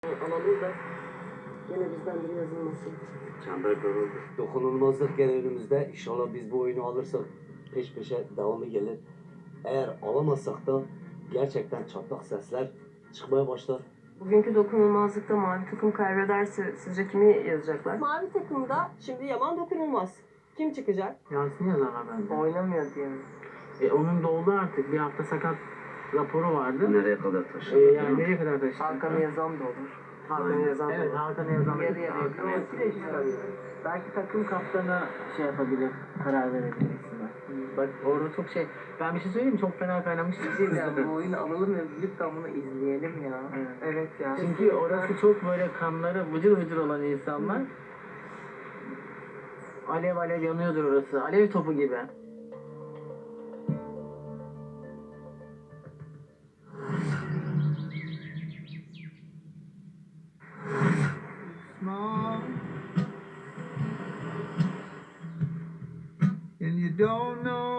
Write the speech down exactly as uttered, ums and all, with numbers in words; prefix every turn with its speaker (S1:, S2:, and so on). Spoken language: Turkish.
S1: Alalım da gene bizden biri yazılmasın.
S2: Çember daraldı.
S3: Dokunulmazlık gene önümüzde. İnşallah biz bu oyunu alırsak peş peşe devamı gelir. Eğer alamazsak da gerçekten çatlak sesler çıkmaya başlar.
S1: Bugünkü dokunulmazlıkta mavi takım kaybederse sizce kimi yazacaklar?
S4: Mavi takımda şimdi Yaman dokunulmaz. Kim çıkacak?
S5: Yasin yazarlar bence.
S1: Oynamıyor diye mi?
S5: E, onun doldu artık. Bir hafta sakat raporu vardı.
S2: Nereye kadar
S5: E,
S2: taşıdı?
S5: yani nereye kadar taşıdı?
S1: Hakan'ı yazan da olur. Hakan'ı yazan da
S5: Evet,
S1: olur.
S5: Hakan'ı yazan.
S1: Yarı yarıya.
S5: Hakan'ı yazan. Belki takım kaptanı şey yapabilir, karar verebilir aslında. Bak orada çok şey, ben bir şey söyleyeyim mi? Çok fena kaynamış.
S1: Bu oyunu alalım ve lütfen bunu izleyelim ya.
S5: Evet.
S1: Evet ya.
S5: Çünkü orası çok böyle kanları vıcır vıcır olan insanlar. Alev alev yanıyordur orası. Alev topu gibi.
S6: Small, and you don't know